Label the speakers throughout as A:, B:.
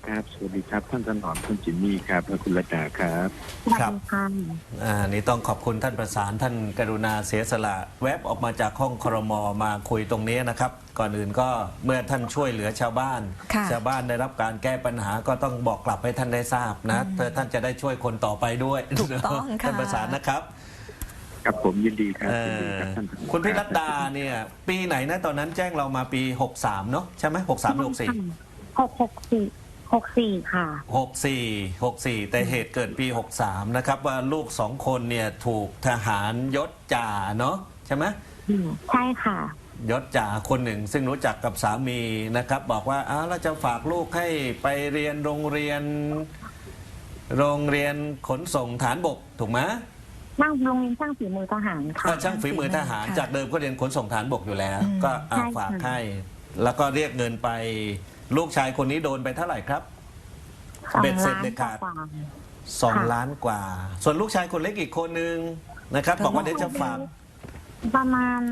A: ครับสวัสดีครับท่านถนอมคุณจิมมี่ครับและคุณรัตดาครับ
B: ครับนี่ต้องขอบคุณท่านประสานท่านกรุณาเสียสละแวบออกมาจากห้องครม.มาคุยตรงนี้นะครับก่อนอื่นก็เมื่อท่านช่วยเหลือชาวบ้านชาวบ้านได้รับการแก้ปัญหาก็ต้องบอกกลับให้ท่านได้ทราบนะเพื่อท่านจะได้ช่วยคนต่อไปด้วย
C: ถูกต้องค่ะ
B: ท่านประสานนะครับ
A: ครับผมยินดีครับยินดีครับท่าน
B: คุณพิรัตดาเนี่ยปีไหนนะตอนนั้นแจ้งเรามาปี63เนาะใช่ไหม63หรือ
C: 64ค่ะ
B: 64แต่เหตุเกิดปี63นะครับว่าลูก2คนเนี่ยถูกทหารยศจ่าเนาะใช่ไหม
C: ใช่ค่ะ
B: ยศจ่าคนหนึ่งซึ่งรู้จักกับสามีนะครับบอกว่าเราจะฝากลูกให้ไปเรียนโรงเรียนขนส่งฐานบกถูกไหม
C: นั่งโรงเรียนช่างฝีมือทหารค่ะ
B: ช่างฝีมือทหารจากเดิมก็เรียนขนส่งฐานบกอยู่แล้วก็ฝากให้แล้วก็เรียกเงินไปลูกชายคนนี้โดนไปเท่าไหร่ครับเบ็ดเสร็จเด็ดขาด2 ล้านกว่าส่วนลูกชายคนเล็กอีกคนนึงนะครับบอกว่าเดี๋ยวจะฝาก
C: ประมาณ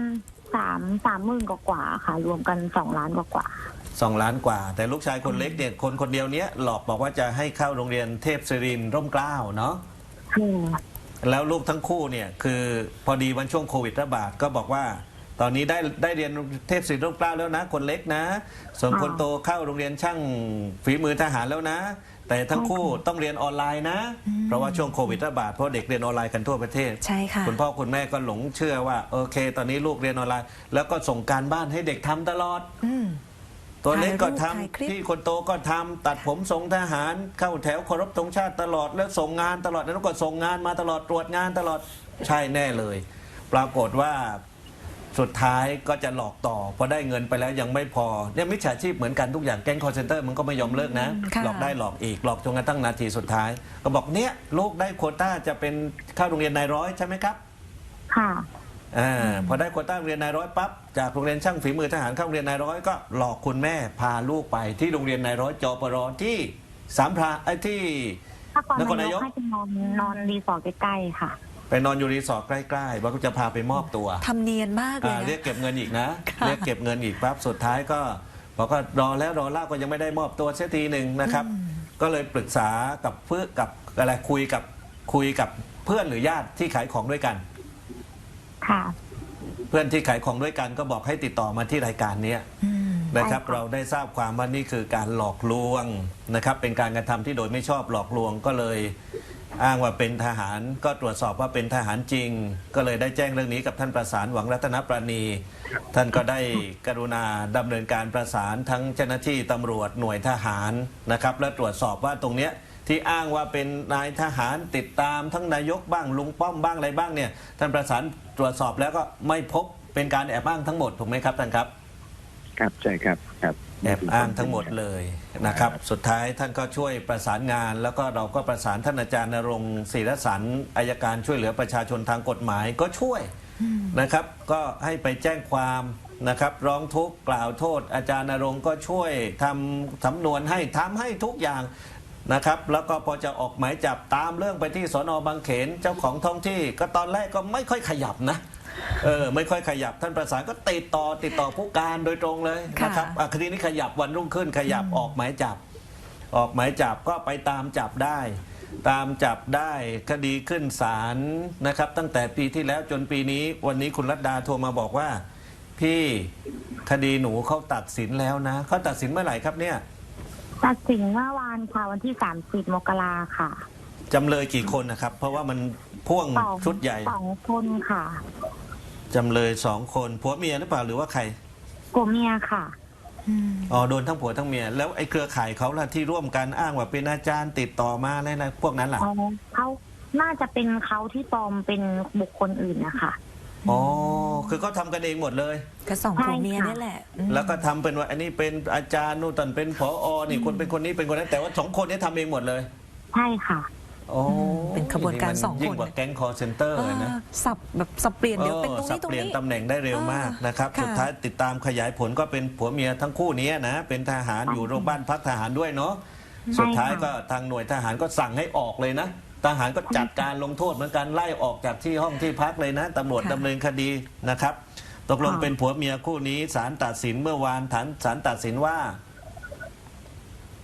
C: 30,000กว่าค่ะรวมกัน2 ล้านกว่า
B: 2 ล้านกว่าแต่ลูกชายคนเล็กเนี่ยคนเดียวเนี้ยหลอกบอกว่าจะให้เข้าโรงเรียนเทพศิรินทร์ร่มเกล้าเนาะแล้วลูกทั้งคู่เนี่ยคือพอดีวันช่วงโควิดระบาดก็บอกว่าตอนนี้ได้เรียนเทพศิรินทร์ร่มเกล้าแล้วนะคนเล็กนะส่วนคนโตเข้าโรงเรียนช่างฝีมือทหารแล้วนะแต่ทั้งคู่ต้องเรียนออนไลน์นะเพราะว่าช่วงโควิดระบาดเพราะเด็กเรียนออนไลน์กันทั่วประเทศ
C: ใช่ค่ะ
B: คุณพ่อคุณแม่ก็หลงเชื่อว่าโอเคตอนนี้ลูกเรียนออนไลน์แล้วก็ส่งการบ้านให้เด็กทำตลอดตัวเล็กก็ทำที่คนโตก็ทำตัดผมทรงทหารเข้าแถวเคารพธงชาติตลอดแล้วส่งงานตลอดแล้วก็ส่งงานมาตลอดตรวจงานตลอดใช่แน่เลยปรากฏว่าสุดท้ายก็จะหลอกต่อพอได้เงินไปแล้วยังไม่พอเนี่ยมิจฉาชีพเหมือนกันทุกอย่างแก๊งคอร์เซนเตอร์มันก็ไม่ยอมเลิกนะหลอกได้หลอกอีกหลอกจนกระทั่งนาทีสุดท้ายก็บอกเนี่ยลูกได้โควต้าจะเป็นเข้าโรงเรียนนายร้อยใช่ไหมครับ
C: ค่ะ
B: พอได้โควต้าโรงเรียนนายร้อยปั๊บจากโรงเรียนช่างฝีมือทหารเข้าโรงเรียนนายร้อยก็หลอกคุณแม่พาลูกไปที่โรงเรียนนายร้อยจปรที่สามพระที่
C: นครนายกให้ไปนอนรีสอร์ทใกล้ๆค่ะ
B: ไปนอนอยู่รีสอร์ทใกล้ๆว่าจะพาไปมอบตัว
C: ทำเนียนมากเลย
B: เรียกเก็บเงินอีกนะเรียกเก็บเงินอีกปั๊บสุดท้ายก็บอกก็รอแล้วรอเล่าก็ยังไม่ได้มอบตัวเสียทีหนึ่งนะครับก็เลยปรึกษากับเพื่อกับอะไรคุยกับเพื่อนหรือญาติที่ขายของด้วยกัน
C: ค่ะ
B: เพื่อนที่ขายของด้วยกันก็บอกให้ติดต่อมาที่รายการนี้นะครับเราได้ทราบความว่านี่คือการหลอกลวงนะครับเป็นการกระทำที่โดยไม่ชอบหลอกลวงก็เลยอ้างว่าเป็นทหารก็ตรวจสอบว่าเป็นทหารจริงก็เลยได้แจ้งเรื่องนี้กับท่านประสานหวังรัตนปราณีท่านก็ได้กรุณาดำเนินการประสานทั้งเจ้าหน้าที่ตำรวจหน่วยทหารนะครับและตรวจสอบว่าตรงเนี้ยที่อ้างว่าเป็นนายทหารติดตามทั้งนายกบ้างลุงป้อมบ้างอะไรบ้างเนี่ยท่านประสานตรวจสอบแล้วก็ไม่พบเป็นการแอบอ้างทั้งหมดถูกไหมครับท่านครับ
A: ครับใช่ครับ
B: แอบอ้างทั้งหมดเลยนะครับสุดท้ายท่านก็ช่วยประสานงานแล้วก็เราก็ประสานท่านอาจารย์ณรงค์ศิรสันต์อัยการช่วยเหลือประชาชนทางกฎหมายก็ช่วยนะครับก็ให้ไปแจ้งความนะครับร้องทุกข์กล่าวโทษอาจารย์ณรงค์ก็ช่วยทำสำนวนให้ทำให้ทุกอย่างนะครับแล้วก็พอจะออกหมายจับตามเรื่องไปที่สน.บางเขนเจ้าของท้องที่ก็ตอนแรกก็ไม่ค่อยขยับนะไม่ค่อยขยับท่านประสานก็ติดต่อผู้การโดยตรงเลยนะครับคดีนี้ขยับวันรุ่งขึ้นขยับออกหมายจับก็ไปตามจับได้คดีขึ้นศาลนะครับตั้งแต่ปีที่แล้วจนปีนี้วันนี้คุณรัตดาโทรมาบอกว่าพี่คดีหนูเขาตัดสินแล้วนะเขาตัดสินเมื่อไหร่ครับเนี่ย
C: ตัดสินเมื่อวานค่ะวันที่30 มกราค่ะ
B: จำเลยกี่คนนะครับเพราะว่ามันพ่วงชุดใหญ่
C: 2 คนค่ะ
B: จำเลย2 คนผัวเมียหรือเปล่าหรือว่าใคร
C: ผัวเมียค่ะ
B: โดนทั้งผัวทั้งเมียแล้วไอ้เครือข่ายเขาล่ะที่ร่วมกันอ้างว่าเป็นอาจารย์ติดต่อมาอะไรนะพวกนั้นล่ะ
C: เขาน่าจะเป็นเขาที่ปลอมเป็นบุคคลอื่นนะคะ
B: คือเขาทำกันเองหมดเลย
C: ก็2 ผัวเมียนี่แหละ
B: แล้วก็ทำเป็นว่าอันนี้เป็นอาจารย์นู่นตอนเป็นผอ.นี่คนเป็นคนนี้เป็นคนนั้นแต่ว่า2 คนนี้ทำเองหมดเลย
C: ใช่ค่ะ
B: เป็นขบวนการ2 คนยิ่งกว่าแก๊งคอร์เซนเตอร์เลยนะ
C: สับเปลี่ยนเดี๋ยวเป็นตรงนี้
B: สับเปลี่ยนตำแหน่งได้เร็วมากนะครับสุดท้ายติดตามขยายผลก็เป็นผัวเมียทั้งคู่นี้นะเป็นทหารอยู่โรงพยาบาลพักทหารด้วยเนาะสุดท้ายก็ทางหน่วยทหารก็สั่งให้ออกเลยนะทหารก็จัดการลงโทษเหมือนกันไล่ออกจากที่ห้องที่พักเลยนะตำรวจดำเนินคดีนะครับตกลงเป็นผัวเมียคู่นี้ศาลตัดสินเมื่อวานศาลตัดสินว่า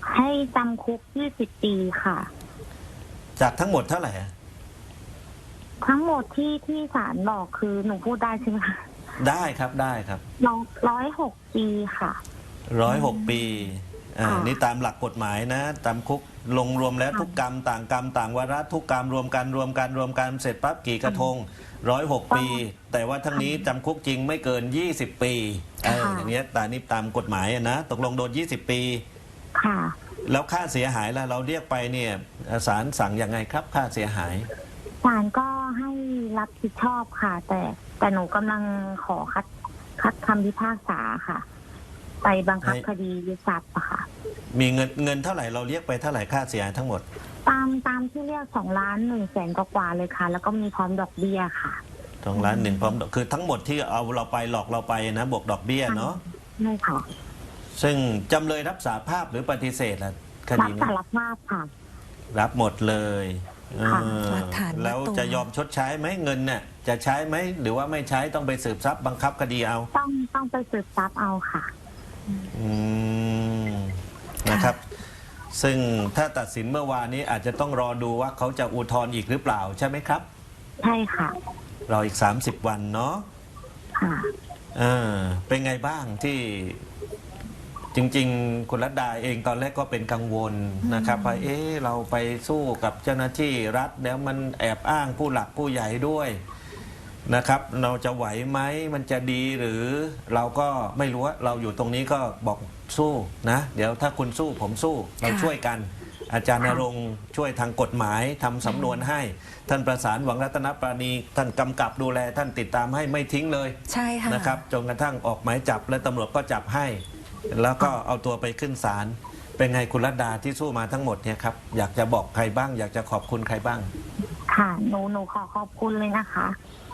C: ให้จำคุก20 ปีค่ะ
B: จากทั้งหมดเท่าไหร่อะ
C: ทั้งหมดที่ศาลบอกคือหนูพูดได้ใช่ไหมคะ
B: ได้ครับได้ครับ
C: 106 ปีค่ะ
B: 106 ปีนี่ตามหลักกฎหมายนะตามคุกลงรวมแล้ว
C: ค่ะ
B: ทุกกรรมต่างวาระทุกกรรมรวมกันเสร็จปั๊บกี่กระทง106 ปี แต่ว่าทั้งนี้จำคุกจริงไม่เกิน20 ปีอย่างเงี้ยตามนี้ตามกฎหมายนะตกลงโดน20 ปี
C: ค่ะ
B: แล้วค่าเสียหายล่ะเราเรียกไปเนี่ยศาลสั่งยังไงครับค่าเสียหาย
C: ศาลก็ให้รับผิดชอบค่ะ แต่หนูกำลังขอคัดคำพิพากษาค่ะ ไปบังคับคดียึดทรัพย์อะค่ะ
B: มีเงินเท่าไหร่เราเรียกไปเท่าไหร่ค่าเสียหายทั้งหมด
C: ตามที่เรียก2,100,000 กว่าเลยค่ะ แล้วก็มีพร้อมดอกเบี้ยค่ะ
B: 2,100,000พร้อมคือทั้งหมดที่เอาเราไปหลอกเราไปนะบวกดอกเบี้ยเนาะ
C: ไม่ค่ะ
B: ซึ่งจำเลยรับสารภาพหรือปฏิเสธล่ะค
C: รั
B: ดี
C: บ
B: นี้
C: สารภาพค่ะ
B: รับหมดเลย
C: ค่ะ
D: หลักฐาน
B: แล้ว
D: มัดตัว
B: จะยอมชดใช้ไหมเงินเนี่ยจะใช้ไหมหรือว่าไม่ใช้ต้องไปสืบทรัพย์บังคับคดีเอา
C: ต้องไปสืบทรัพย์เอาค่ะ
B: อืมนะครับ ซึ่งถ้าตัดสินเมื่อวานนี้อาจจะต้องรอดูว่าเขาจะอุทธรณ์อีกหรือเปล่าใช่ไหมครับ
C: ใช่ค่ะ
B: รออีก30 วันเนาะ
C: ค่ะ
B: เป็นไงบ้างที่จริงๆคุณรัตดาเองตอนแรกก็เป็นกังวลนะครับว่าเราไปสู้กับเจ้าหน้าที่รัฐแล้วมันแอบอ้างผู้หลักผู้ใหญ่ด้วยนะครับ เราจะไหวไหมมันจะดีหรือเราก็ไม่รู้ว่าเราอยู่ตรงนี้ก็บอกสู้นะเดี๋ยวถ้าคุณสู้ผมสู้เราช่วยกัน อาจารย์ณรงค์ช่วยทางกฎหมายทำสำนวนให้ ท่านประสานหวังรัตนปราณีท่านกำกับดูแลท่านติดตามให้ไม่ทิ้งเลย
D: ใช่ค่ะ
B: นะครับจนกระทั่งออกหมายจับและตำรวจก็จับให้ แล้วก็เอาตัวไปขึ้นศาลเป็นไงคุณรัตดาที่สู้มาทั้งหมดเนี่ยครับอยากจะบอกใครบ้าง อยากจะขอบคุณใครบ้าง
C: ค่ะหนูขอขอบคุณเลยนะคะ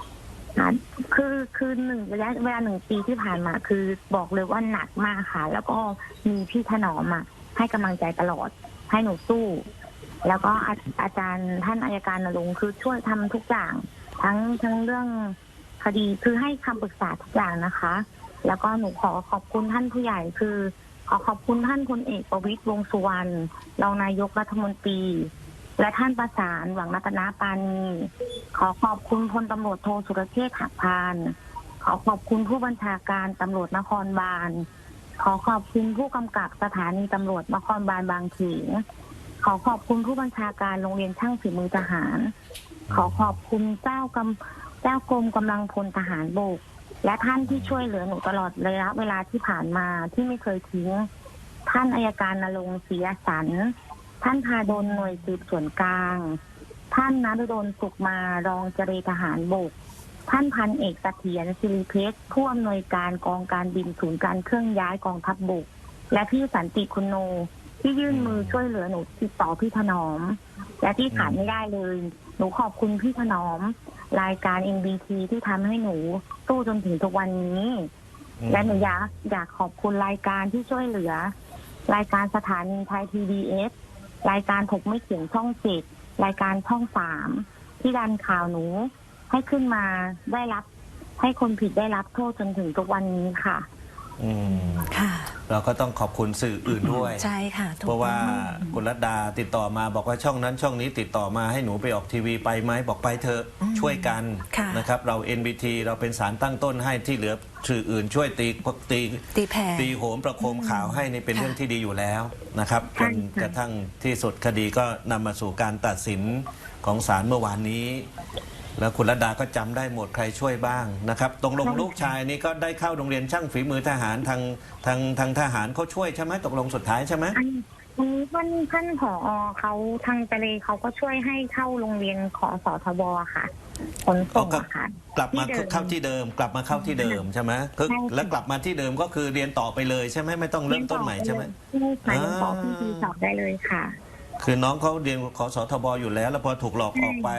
C: คือระยะเวลา1 ปีที่ผ่านมาคือบอกเลยว่าหนักมากค่ะ แล้วก็มีพี่ถนอมให้กำลังใจตลอดให้หนูสู้ แล้วก็อาจารย์ท่านอัยการณรงค์คือช่วยทำทุกอย่างทั้งเรื่องคดีคือให้คำปรึกษาทุกอย่างนะคะ แล้วก็หนูขอขอบคุณท่านผู้ใหญ่คือขอขอบคุณท่านพลเอกประวิตรวงษ์สุวรรณรองนายกรัฐมนตรีและท่านประสานหวังรัตนปราณีขอขอบคุณพลตำรวจโทสุรเชษฐ์หักพานขอขอบคุณผู้บัญชาการตำรวจนครบาลขอขอบคุณผู้กำกับสถานีตำรวจนครบาลบางเขนขอขอบคุณผู้บัญชาการโรงเรียนช่างฝีมือทหารขอขอบคุณเจ้ากรมกำลังพลทหารบกและท่านที่ช่วยเหลือหนูตลอดระยะเวลาที่ผ่านมาที่ไม่เคยทิ้งท่านอัยการณรงค์ศรีอสันต์ท่านพาดลหน่วยสืบสวนกลางท่านนฤดลสุขมารองเจรทหารบกท่านพันเอกเสถียรศิริเพชรผู้อำนวยการกองการบินศูนย์การเครื่องย้ายกองทัพบกและพี่สันติคุณโนที่ยื่นมือช่วยเหลือหนูติดต่อพี่ถนอมและที่ขาดไม่ได้เลยหนูขอบคุณพี่ถนอมรายการ NBT ที่ทำให้หนูสู้จนถึงทุกวันนี้และหนูอยากขอบคุณรายการที่ช่วยเหลือรายการสถานีไทย PBS รายการถกไม่เขียงช่อง7รายการช่อง3ที่ดันข่าวหนูให้ขึ้นมาได้รับให้คนผิดได้รับโทษจนถึงทุกวันนี้ค่ะ
D: ค่ะ
B: เราก็ต้องขอบคุณสื่ออื่นด้วย
D: ใช่ค่ะถูก
B: เพราะว่า
D: ต้อง
B: คุณรัตดาติดต่อมาบอกว่าช่องนั้นช่องนี้ติดต่อมาให้หนูไปออกทีวีไปไหมบอกไปเถอะช่วยกัน
D: ค่ะ
B: นะครับเรา NBT เราเป็นสารตั้งต้นให้ที่เหลือสื่ออื่นช่วยตี
D: ตีแผ่
B: ตีโหมประโคมข่าวให้นี่เป็น
D: ค่ะ
B: เรื่องที่ดีอยู่แล้วนะครับจ
C: ใช่
B: น
C: ค่ะ
B: กระทั่งที่สุดคดีก็นำมาสู่การตัดสินของศาลเมื่อวานนี้ แล้วคุณรัตดาก็จำได้หมดใครช่วยบ้างนะครับตกลงลูกชายนี่ก็ได้เข้าโรงเรียนช่างฝีมือทหารทางทหารเขาช่วยใช่ไหมตกลงสุดท้ายใช่ไหม
C: อันนี้ท่านผอเขาทางทะเลเขาก็ช่วยให้เข้าโรงเรียนขอสทบค่ะขนส่งอะค่ะ
B: กลับมาเข้าที่เดิมกลับมาเข้าที่เดิมใช่ไหมคือ
C: ใช่ค่ะ
B: แล้วกลับมาที่เดิมก็คือเรียนต่อไปเลยใช่ไหมไม่ต้องเริ่มต้นใหม่ใช่ไหม
C: ใช่ค่ะยังต่อที่สอบได้เลยค่ะ
B: คือน้องเขาเรียนขอสทบอยู่แล้ว แล้วพอถูกหลอกออกไป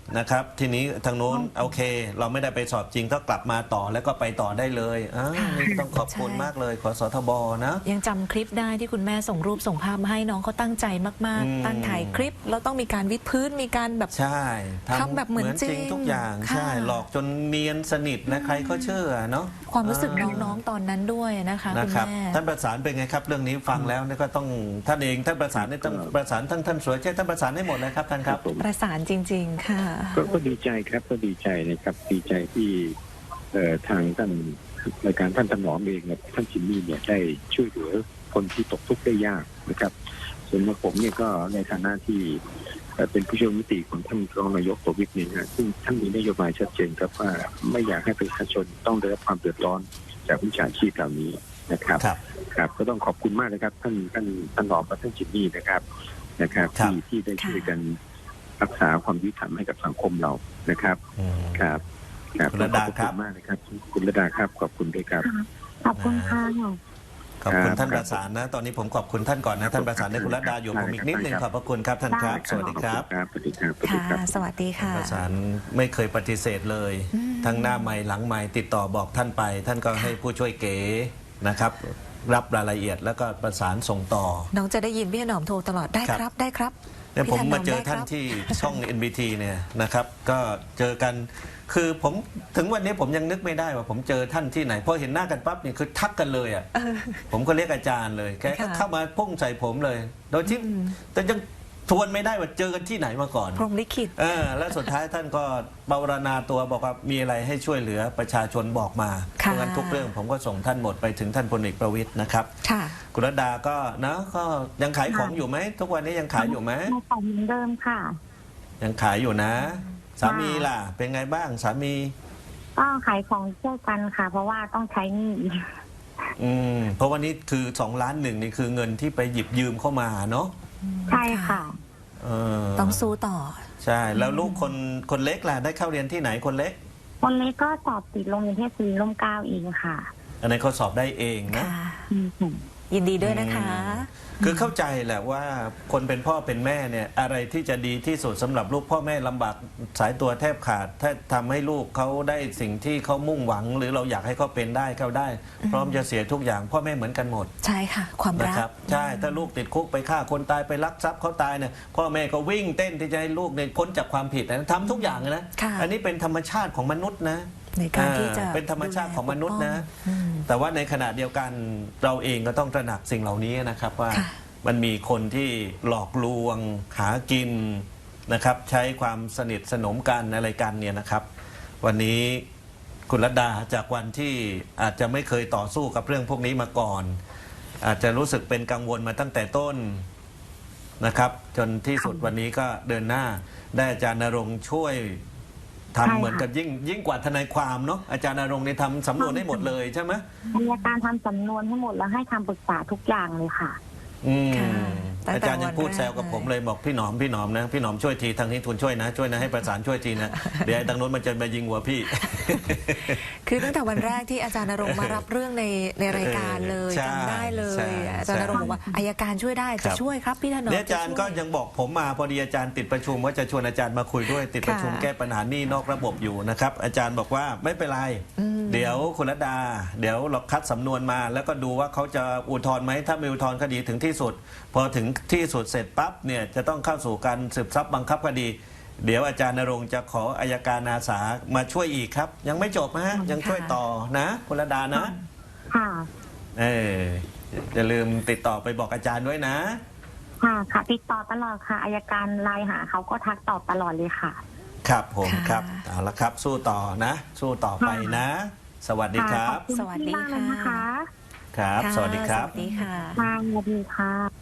B: นะครับ ทีนี้ทางโน้นโอเค เราไม่ได้ไปสอบจริงก็กลับมาต่อแล้วก็ไปต่อได้เลยนี่ต้องขอบคุณมากเลยขอสทบนะ
D: ยังจำคลิปได้ที่คุณแม่ส่งรูปส่งภาพมาให้น้องเขาตั้งใจมากๆตั้งถ่ายคลิปแล้วต้องมีการวิดพื้นมีการแบบ
B: ใช่
D: ทำแบบเหมือนจริง
B: ทุกอย่าง
D: ค่ะ
B: ใช่หลอกจนเนียนสนิทนะใครก็เชื่อเนาะ
D: ความรู้สึกน้องๆตอนนั้นด้วยนะคะ
B: นะ
D: คุณ
B: ครับ
D: แม่
B: ท่านประสานเป็นไงครับ เรื่องนี้ฟังแล้วเนี่ยก็ต้องท่านเองท่านประสานเนี่ยต้องประสานท่านสวยเช่ท่านประสานให้หมดนะครับท่านครับ
A: ผม
D: ประสานจริง ๆ ค่ะ
A: ก็ดีใจครับก็ดีใจนะครับดีใจที่ทางท่านรายการท่านถนอมเองกับท่านจิมมี่เนี่ยได้ช่วยเหลือคนที่ตกทุกข์ได้ยากนะครับส่วนผมเนี่ยก็ในฐานะที่เป็นผู้ช่วยรัฐมนตรีของท่านรองนายกประวิตรเนี่ยนะซึ่งท่านมีนโยบายชัดเจนครับว่าไม่อยากให้ประชาชนต้องได้รับความเดือดร้อนจากวิชาชีพเหล่านี้นะครับ ครับก็ต้องขอบคุณมากนะครับท่านรองกับท่านจิมมี่นะครับที่ได้ช่วยกันรักษาความยุติธรรมให้กับสังคมเรานะครับครับ
B: คุณระดาครับ
A: ขอบคุณมากนะครับคุณระดาครับขอบคุณด้วยครับ
C: ขอบคุณค่ะ
B: ขอบคุณท่านประสานนะ ตอนนี้ผมขอบคุณท่านก่อนนะท่านประสานในคุณรัตดาอยู่ผมอีกนิดหนึ่งขอบพระคุณครับท่านครับสวัสดีครับ
A: สวัสดีครับสวัสดีค
D: ค่ะ
A: รับ
D: สวัสดีค่ะ
B: ประสานไม่เคยปฏิเสธเลย ทั้งหน้าไมค์หลังไมค์ติดต่อบอกท่านไป ท่านก็ให้ผู้ช่วยเก๋นะครับ รับรายละเอียดแล้วก็ประสานส่งต่อ
D: น้องจะได้ยินพี่ถนอมโทรตลอดได้ครับได้ครับ
B: เนี่ยผมมาเจอ
D: พี่ถ
B: ท่าน
D: ได้ครับ
B: ที่ช่อง NBT เนี่ยนะครับก็เจอกันคือผมถึงวันนี้ผมยังนึกไม่ได้ว่าผมเจอท่านที่ไหนพอเห็นหน้ากันปั๊บเนี่ยคือทักกันเลยอ่ะผมก็เรียกอาจารย์เลยแกก็เข้ามาพุ่งใส่ผมเลย โดยที่แต่ยังทวนไม่ได้ว่าเจอกันที่ไหนมาก่อน
D: พรหมลิขิต
B: แล้วสุดท้ายท่านก็ปรารณาตัวบอกว่ามีอะไรให้ช่วยเหลือประชาชนบอกมาเพ
D: ค่ะ
B: ราะงั้นทุกเรื่องผมก็ส่งท่านหมดไปถึงท่านพลเอกประวิตรนะครับ
D: ค่ะ
B: คุณรัตดาก็นะก็ยังขายของอยู่ไหมทุกวันนี้ยังขายอยู่ไหม
C: ในของเหมือนเดิมค่ะ
B: ยังขายอยู่นะ สามีล่ะ เป็นไงบ้างสามี
C: ก็ขายของช่วยกันค่ะ เพราะว่าต้องใช้หนี้
B: เพราะวันนี้คือ2 ล้าน1นี่คือเงินที่ไปหยิบยืมเข้ามาเนาะ
C: ใช่ค่ะ
D: ต้องสู้ต่อ
B: ใช่แล้วลูกคนเล็กล่ะได้เข้าเรียนที่ไหนคนเล็ก
C: คนเล็กก็สอบติดโรงเรียนเทศศรีร่มเกล้าเองค่ะ
B: อันนี้นเขาสอบได้เองนะ
D: ค่ะ
C: อืม
D: ยินดีด้วยนะคะ
B: คือเข้าใจแหละว่าคนเป็นพ่อเป็นแม่เนี่ยอะไรที่จะดีที่สุดสำหรับลูกพ่อแม่ลำบากสายตัวแทบขาดถ้าทำให้ลูกเขาได้สิ่งที่เขามุ่งหวัง หรือเราอยากให้เขาเป็นได้เขาได้ พร้อมจะเสียทุกอย่างพ่อแม่เหมือนกันหมด
D: ใช่ค่ะ ความ
B: นะ
D: รัก
B: ครับใช่ถ้าลูกติดคุกไปฆ่าคนตายไปลักทรัพย์เขาตายเนี่ยพ่อแม่ก็วิ่งเต้นที่จะให้ลูกเนี่ยพ้นจากความผิดนะทำทุกอย่างนะ
D: ค่ะ
B: อันนี้เป็นธรรมชาติของมนุษย์นะ
D: ในการที่จะ
B: เป็นธรรมชาติของมนุษย์นะ
D: อืม
B: แต่ว่าในขณะเดียวกันเราเองก็ต้องตระหนักสิ่งเหล่านี้นะครับว่า
D: ค่ะ
B: มันมีคนที่หลอกลวงหากินนะครับใช้ความสนิทสนมกันอะไรกันเนี่ยนะครับ วันนี้คุณรัตดาจากวันที่อาจจะไม่เคยต่อสู้กับเรื่องพวกนี้มาก่อน อาจจะรู้สึกเป็นกังวลมาตั้งแต่ต้นนะครับ จนที่สุดวันนี้ก็เดินหน้าได้อาจารย์ณรงค์ช่วยทำ
C: ใช่ค่ะ
B: เหมือนกับยิ่งกว่าทนายความเนาะอาจารย์ณรงค์เนี่ยทำสำนวนให้หมดเลยใช่ไหม
C: อัยการทำสำนวนให้หมดแล้วให้คำปรึกษาทุกอย่างเลยค่ะ
D: ค่ะตั้งแต่
B: อาจารย์ยังพูด
D: วันแรก
B: แซวกับผมเลยบอกพี่หนอมนะพี่หนอมช่วยทีทางนี้ทุนช่วยนะให้ประสานช่วยทีนะ เดี๋ยวไอ้ทางโน้นมันจะมายิงหัวพี่
D: คือตั้งแต่วันแรกที่อาจารย์ณรงค์มารับเรื่องในรายการเลย
B: ใช่
D: จำได้เลย
B: ใช่
D: อาจารย์ณรงค์บอกว่าอัยการช่วยได้
B: ครั
D: จะ
B: บ
D: ช่วยครับพี่ถนอม
B: เนี่ยอาจารย์
D: จะช่วย
B: ก็ยังบอกผมมาพอดีอาจารย์ติดประชุมว่าจะชวนอาจารย์มาคุยด้วยติดประชุม
D: ค่ะ
B: แก้ปัญหาหนี้นอกระบบอยู่นะครับอาจารย์บอกว่าไม่เป็นไร เดี๋ยวคุณรัตดา เดี๋ยวเราคัดสำนวนมา แล้วก็ดูว่าเขาจะอุทธรณ์ไหมถ้าไม่อุทธรณ์คดีถึงที่สุด พอถึงที่สุดเสร็จปั๊บเนี่ยจะต้องเข้าสู่การสืบทรัพย์บังคับคดี เดี๋ยวอาจารย์ณรงค์จะขออัยการอาสามาช่วยอีกครับ ยังไม่จบนะฮะยังช่วยต่อนะคุณรัตดานะ
C: ค่ะ
B: อย่าลืมติดต่อไปบอกอาจารย์ด้วยนะ
C: ค่ะติดต่อตลอดค่ะอัยการไลน์หาเขาก็ทักตอบตลอดเลยค่ะ
B: ครับผม
D: ค่ะ
B: ครับเอาละครับสู้ต่อนะ สู้ต่อไปนะ สวัสดีครับ
C: ขอบคุณ
D: สวัสดี
C: มากเลยนะคะ
B: ครับ
D: ค่ะ
B: สวัสดีครับ
D: สวัสดีค่ะ
C: ค่ะสวัสดีค่ะ